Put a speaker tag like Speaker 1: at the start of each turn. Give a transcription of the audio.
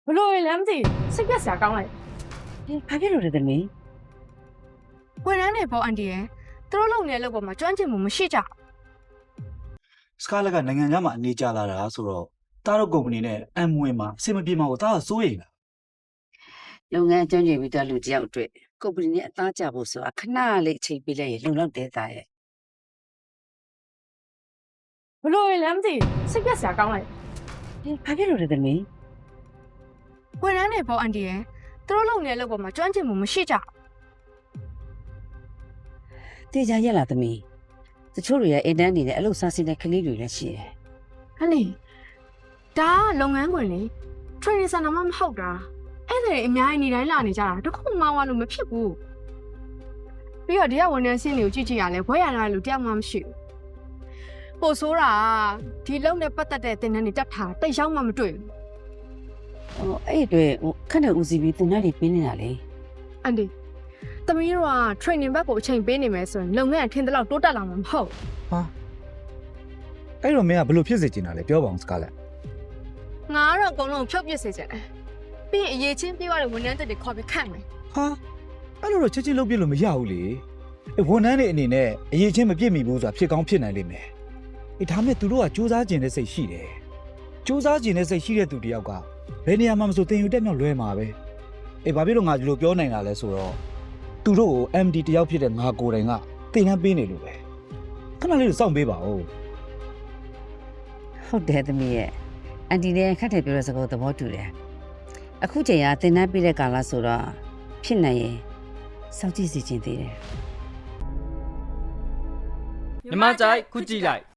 Speaker 1: လို့လဲမသိစိတ်ပြက်စရာကောင်းလိုက်
Speaker 2: ဘာဖြစ်လို့လဲသမီး
Speaker 1: ဝန်ထမ်းတွေပေါ့အန်တီရဲ့သူတို့လုပ်နေတဲ့လုပ်ပေါ်မှာကျွမ်းကျင်မှုမရှိကြ
Speaker 3: စကားလက်ကနိုင်ငံခြားမှာအနေကျလာတာဆိုတော့တားတို့ကုမ္ပဏီနဲ့အမ်မွေမှာအဆင်မပြေမှာကိုတားကစိုးရိမ်တာ
Speaker 2: လုပ်ငန်းအကျဉ်းချပြီးတော့လူတယောက်အတွက်ကုမ္ပဏီနဲ့အသားကျဖို့ဆိုတာခဏလေးအချိန်ပေးလိုက်ရင်လုံလောက်တဲ့သားရဲ့
Speaker 1: ဘလို့လဲမသိစိတ်ပြက်စရာကောင်းလိုက်
Speaker 2: ဘာဖြစ်လို့လဲသမီး
Speaker 1: ဝန်ထမ်းတွေပေါ့အန်တီရဲ့သူတို့လုပ်နေတဲ့လုပ်ပေါ်မှာကျွမ်းကျင်မှုမရှိကြ
Speaker 2: တေချာရက်လာသမီးတချို့တွေရဲ့အိမ်တန်းနေတဲ့အလုပ်စားစင်းတဲ့ကလေးတွေလည်းရှိတယ်
Speaker 1: ဟဲ့လေဒါကလုပ်ငန်းခွင်လေ training center မှမဟုတ်တာအဲ့ဒါတွေအများကြီးနေတိုင်းလာနေကြတာတခုမှမဝလို့မဖြစ်ဘူးပြီးတော့ဒီကဝန်ထမ်းစင်းတွေကိုကြည့်ကြည့်ရလဲဘွဲရတာလို့တယောက်မှမရှိဘူးပို့ဆိုးတာဒီလုံနဲ့ပတ်သက်တဲ့သင်တန်းတွေတက်ထားတိတ်ရောက်မှမတွေ့ဘူး
Speaker 2: အဲ့အတွက်ခက်တဲ့ဦးစီးပြီးတင်တဲ့တွေပြင်းနေတာလေ
Speaker 1: အန်ဒီသမီးတို့က training ဘက်ကိုအချိန်ပေးနေမယ်ဆိုရင်လုပ်ငန်းအထင်တလောက်တိုးတက်လာမှာမဟုတ်
Speaker 4: ဟာအဲ့တော့မင်းကဘယ်လိုဖြစ်စေချင်တာလဲပြောပါအောင်စကားလက်
Speaker 1: ငါကတော့အကုန်လုံးဖြုတ်ပစ်စေချင်တယ်ပြီးရင်အရေးချင်းပြေးရတဲ့ဝန်ထမ်းတွေခေါ်ပြီးခန့်မယ်
Speaker 4: ဟာအဲ့လိုတော့ချက်ချင်းလုပ်ပြလို့မရဘူးလေဝန်ထမ်းတွေအနေနဲ့အရေးချင်းမပြည့်မီဘူးဆိုတာဖြစ်ကောင်းဖြစ်နိုင်လိမ့်မယ်ဒါမဲ့သူတို့ကစူးစမ်းကျင်တဲ့စိတ်ရှိတယ်စူးစမ်းကျင်တဲ့စိတ်ရှိတဲ့သူတယောက်ကဘယ်နေရာမှာမဆိုတင်ယူတက်မြောက်လွဲမှာပဲဘာဖြစ်လို့ငါဒီလိုပြောနိုင်တာလဲဆိုတော့သူတို့ကို MD တယောက်ဖြစ်တဲ့ငါကိုယ်တိုင်ကတင်နှမ်းပေးနေလို့ပဲခဏလေးစောင့်ပေးပါဦး
Speaker 2: ဟုတ်တယ်သမီးရဲ့အန်တီလည်းခက်တယ်ပြောတဲ့စကားသဘောတူတယ်အခုချိန်ကတင်တဲ့ပြတဲ့ကာလဆိုတော့ဖြစ်နိုင်ရင်စောင့်ကြည့်စီခြင်းသေးတယ်
Speaker 5: မြမကြိုက်ခုကြည့်လိုက်